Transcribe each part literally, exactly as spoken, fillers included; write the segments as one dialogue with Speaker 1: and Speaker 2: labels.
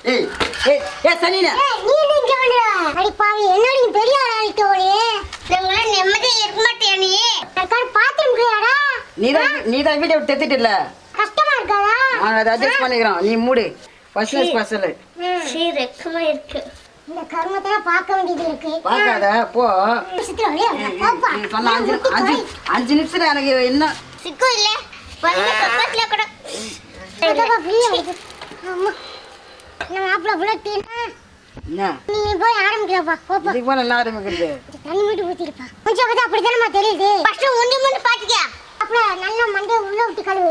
Speaker 1: ஏய் ஏய் ஏய் சனினா
Speaker 2: நீ நிங்க வந்தா அடி பாவி என்னடி பெரிய ஆளாயிட்டோளே நீங்கள நிம்மதி இருக்க மாட்டியா நீ நான் பாத்தும்றியாடா
Speaker 1: நீ தான் நீ தான் வீடியோ தெத்திட்டு இல்ல
Speaker 2: கஷ்டமா இருக்காதா
Speaker 1: நான் அத அட்ஜஸ்ட் பண்ணிக்கிறோம் நீ மூடு ஃபர்ஸ்ட் ஸ்பெஷல்
Speaker 2: சீ ரெக்கமா இருக்கு இந்த கர்மத்தை பார்க்க வேண்டியது இருக்கு
Speaker 1: பார்க்காத போ
Speaker 2: சித்ரா பாப்பா
Speaker 1: நீ சொன்ன அஞ்சு அஞ்சு அஞ்சு நிமிஷம் எனக்கு என்ன
Speaker 2: சிக்கு இல்ல வந்து பக்கத்துல கூட அதா ஃப்ரீயா இருக்கு அம்மா நம்ம மாப்ள புலட்டினா
Speaker 1: என்ன
Speaker 2: நீ போய் ஆரம்பிக்கறப்பா போப்பா
Speaker 1: இதுக்கு போல என்ன ஆரம்பிக்கிறது
Speaker 2: தண்ணி மட்டும் ஊத்திருப்பா கொஞ்சம் பார்த்தா அப்படி தானமா தெரியுது ஃபர்ஸ்ட் ஒண்டி முண்டு பாத்துக்க அப்பள நல்ல மண்டே உள்ள விட்டு கழுவு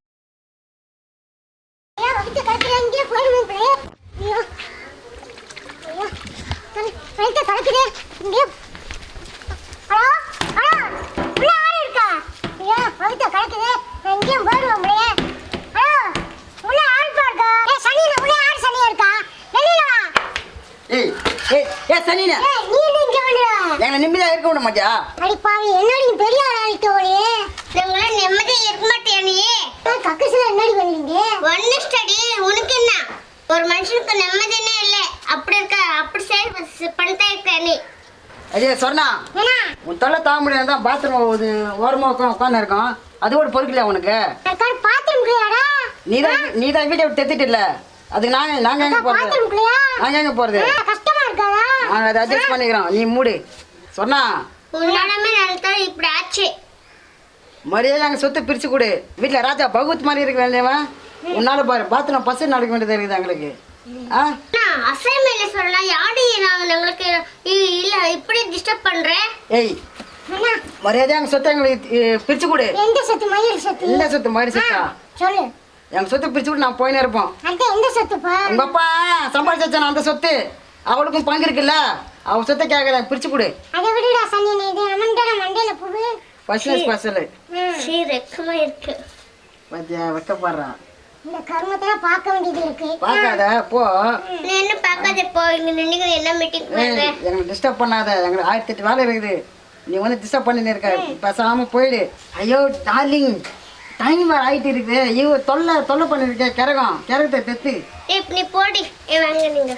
Speaker 2: ஏன் வந்து கழுக்குறீங்க போயிடுங்க ப்ளே ஐயோ ஐயோ ரைட்ட கழுக்குதே இங்க ஹலோ ஹலோ உள்ள யாரு இருக்கா ஐயோ வந்து கழுக்குதே இங்க போயிடுவோம் ப்ளே ஹலோ உள்ள யாரு இருக்கா ஏய் சனினா உள்ள யாரு சனியா இருக்கா வெளியில வா
Speaker 1: ஏய் ஏய் ஏய் சனினா
Speaker 2: ஏய் நீ நிங்க வந்தா
Speaker 1: எங்க நிம்மதியா இருக்க விட மாட்டியா
Speaker 2: அடி பாவி என்னடி பெரிய ஆளாயிட்டோளே நீங்கள நிம்மதி இருக்க மாட்டியா நீ கக்கஸ்ல என்னடி பண்ணீங்க ஒன்னு ஸ்டடி உனக்கு என்ன ஒரு மனுஷனுக்கு நிம்மதியே இல்ல அப்படி இருக்க அப்படி சே பண்ணிட்டே இருக்க நீ
Speaker 1: அடே சொன்னா
Speaker 2: என்ன
Speaker 1: உன் தொல்லை தாங்க முடியாது தான் பாத்ரூம் ஓரமா உட்காந்து உட்காந்து இருக்கோம் அது கூட பொறுக்கலையா உனக்கு
Speaker 2: நான் பாத்ரூம்க்குள்ளடா
Speaker 1: நீ தான் நீ தான் வீடியோ தெத்திட்டு இல்ல அதுக்கு நாங்க நாங்க எங்க போறது
Speaker 2: பாத்ரூம்க்குள்ளயா
Speaker 1: நாங்க எங்க போறது
Speaker 2: கஷ்டமா இருக்காதா
Speaker 1: நாங்க அதை அட்ஜஸ்ட் பண்ணிக்கிறோம் நீ மூடு சொன்னா
Speaker 2: உன்னாலமே நடந்தா இப்படி ஆச்சு
Speaker 1: மரியாதை நாங்கள் சொத்து பிரிச்சு கொடு வீட்டில் ராஜா பகவத் மாதிரி இருக்க வேண்டியவன் உன்னால பாரு பாத்ரூம் பஸ் நடக்க வேண்டியது இருக்குது எங்களுக்கு ஆ
Speaker 2: அசைன்மெண்ட் சொல்லலாம் யாடி நான் உங்களுக்கு இல்ல இப்படி டிஸ்டர்ப் பண்றேன்
Speaker 1: ஏய் மரியாதை எங்கள் சொத்தை எங்களுக்கு பிரிச்சு கொடு
Speaker 2: எந்த சொத்து மயில் சொத்து
Speaker 1: இந்த சொத்து மாதிரி சொத்தா
Speaker 2: சொல்லு
Speaker 1: எங்கள் சொத்தை பிரிச்சு கொடு நான் போயினே இருப்போம்
Speaker 2: அந்த எந்த சொத்துப்பா
Speaker 1: உங்க அப்பா சம்பாதிச்சான அந்த சொத்து அவளுக்கும் பங்கு இருக்குல்ல அவ சொத்தை கேட்கறேன் பிரிச்சு கொடு
Speaker 2: அதை விடுடா சனி இது அமண்டன மண்டையில புகு
Speaker 1: ஃபர்ஸ்ட் ஸ்பெஷல்
Speaker 2: சீ ரெக்கமா இருக்கு
Speaker 1: பத்தியா வெக்கப்படுறான்
Speaker 2: இந்த கர்மத்தை பார்க்க வேண்டியது இருக்கு
Speaker 1: பார்க்காத போ
Speaker 2: நீ என்ன பார்க்காத போ இங்க நின்னு என்ன மீட்டிங் பண்ற
Speaker 1: எங்களை டிஸ்டர்ப் பண்ணாத எங்களுக்கு ஆயிரத்தி எட்டு வேலை இருக்குது நீ வந்து டிஸ்டர்ப் பண்ணின்னு இருக்க பேசாம போயிடு ஐயோ டார்லிங் டைம் வேறு ஆகிட்டு இருக்குது ஐயோ தொல்லை தொல்லை பண்ணிருக்க கிறகம் கிறகத்தை தெத்து
Speaker 2: இப்ப நீ போடி ஏ வாங்க நீங்க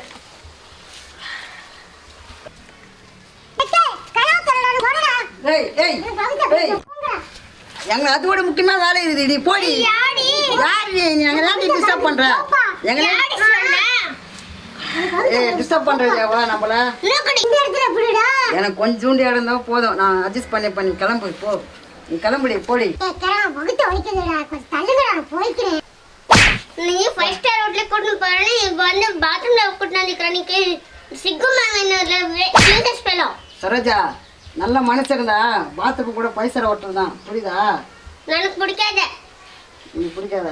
Speaker 1: ஏய் ஏய் ஏய் எங்க அது விட முக்கியமா வேலை இருக்குது நீ போடி
Speaker 2: யாடி
Speaker 1: யார் நீ எங்க நாட்டி டிஸ்டர்ப் பண்ற எங்க
Speaker 2: யாடி சொன்னா
Speaker 1: ஏய் டிஸ்டர்ப் பண்றீங்க வா நம்மள
Speaker 2: லோக்கடி இந்த இடத்துல புடிடா
Speaker 1: எனக்கு கொஞ்சோண்டு இடம் தான் போதும் நான் அட்ஜஸ்ட் பண்ணி பண்ணி கிளம்பு போ நீ கிளம்புடி போடி
Speaker 2: ஏய் கரா வகுத்த வைக்கறடா கொஞ்சம் தள்ளுங்கடா நான் போய்க்கிறேன் நீ ஃபைவ் ஸ்டார் ஹோட்டல்ல கூட்டி போறேன்னு இப்ப வந்து பாத்ரூம்ல கூட்டி நிக்கற நீக்கு சிக்கு மாங்கனல லேட்டஸ்ட் பெலோ
Speaker 1: சரோஜா நல்ல மனசிருந்தா பாத்ரூம் கூட பைசா ஓட்டல் தான் புரியுதா
Speaker 2: எனக்கு பிடிக்காத
Speaker 1: நீ பிடிக்காதா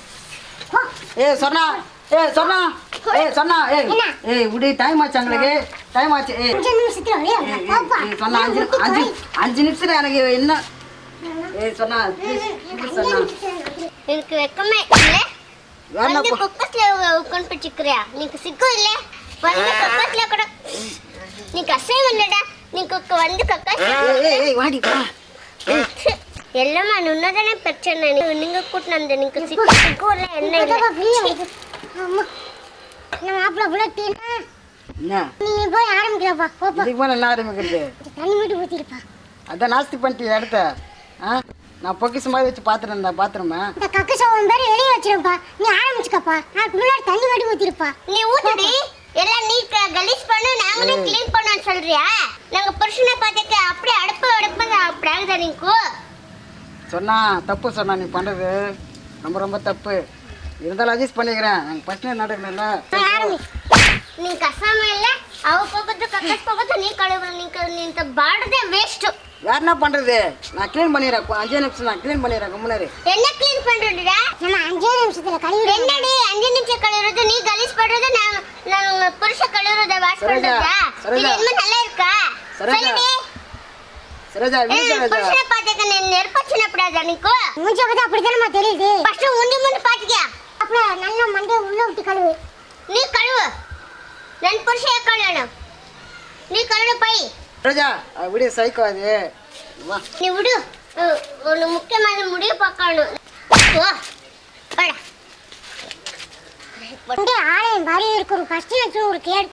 Speaker 1: ஏய் சொன்னா ஏய் சொன்னா ஏய் சொன்னா ஏய் ஏய் விடு டைம் ஆச்சு எங்களுக்கு டைம் ஆச்சு ஏய்
Speaker 2: அஞ்சு நிமிஷத்துல வரையா பாப்பா
Speaker 1: சொன்னா அஞ்சு அஞ்சு அஞ்சு நிமிஷத்துல எனக்கு என்ன ஏய் சொன்னா சொன்னா
Speaker 2: எனக்கு வெக்கமே இல்ல வந்து பக்கத்துல உட்கார்ந்து பிடிச்சிக்கறியா நீக்கு சிக்கு இல்ல வந்து பக்கத்துல கூட நீ கசை வந்தடா நீக்கு வந்து கக்கா
Speaker 1: ஏய் ஏய் வாடி வா
Speaker 2: எல்லாமே நுன்னதானே பிரச்சனை நீங்க கூட்டிட்டு வந்த நீங்க சிக்கு சிக்கு இல்ல என்ன இல்ல அம்மா நம்ம மாப்ள புலட்டினா
Speaker 1: என்ன
Speaker 2: நீ போய் ஆரம்பிக்கறப்பா போப்பா
Speaker 1: இதுக்கு மேல என்ன ஆரம்பிக்கிறது
Speaker 2: தண்ணி மட்டும் ஊத்திருப்பா
Speaker 1: அதான் நாஸ்தி பண்ணிட்டு இடத்த ஆ நான் பொக்கிஷ மாதிரி வச்சு பார்த்துட்டு இருந்தேன் பாத்ரூமை
Speaker 2: இந்த கக்கு சோவன் பேர் வெளியே வச்சிருப்பா நீ ஆரம்பிச்சுக்கப்பா நான் முன்னாடி தண்ணி மட்டும் ஊத்திருப்பா நீ ஊத்துடி எல்லாம் நீ கலீஸ் பண்ணு நாங்களே க்ளீன் பண்ணனும் சொல்றியா நாங்க புருஷனை பார்த்துக்க அப்படியே அடுப்பு அடுப்பு அப்படி ஆகுதா நீக்கு
Speaker 1: சொன்னா தப்பு சொன்னா நீ பண்றது ரொம்ப ரொம்ப தப்பு இருந்தாலும் அட்ஜஸ்ட் பண்ணிக்கிறேன் எனக்கு பிரச்சனை நடக்கணும்ல
Speaker 2: நீ கசாம இல்ல அவ போகத்து கக்கஸ் போகத்து நீ கழுவு நீ நீ இந்த பாடதே வேஸ்ட்
Speaker 1: வேற என்ன பண்றது நான் க்ளீன் பண்ணிடுறேன் அஞ்சு நிமிஷம் நான் க்ளீன் பண்ணிடுறேன் முன்னாடி
Speaker 2: என்ன க்ளீன் பண்றதுடா நம்ம அஞ்சு நிமிஷத்துல கழுவி என்னடி அஞ்சு நிமிஷம் கழுவுறது நீ கலீஸ் பண்றது நான் நான் புருஷ கழுவுறத வாஷ் பண்றதா இது என்ன நல்லா இருக்கா சொல்லுடி
Speaker 1: சரோஜா வீடு சரோஜா
Speaker 2: புருஷனை பார்த்துக்க நீ நெருப்பச்சின படாத நீக்கு மூஞ்ச பார்த்தா அப்படி தானமா தெரியுது ஃபர்ஸ்ட் உண்டி முண்டு பாத்துக்க அப்புறம் நல்ல மண்டே உள்ள விட்டு கழுவு நீ கழுவு நான் புருஷே கழுவணும் நீ கழுவு போய்
Speaker 1: சரோஜா வீடியோ சைக்கோ அது வா
Speaker 2: நீ விடு ஒரு முக்கியமான முடிவு பார்க்கணும் ஓ வாடா ஆலயம் மாதிரி இருக்கும் ஃபர்ஸ்ட் லட்சம் ஒரு கேடு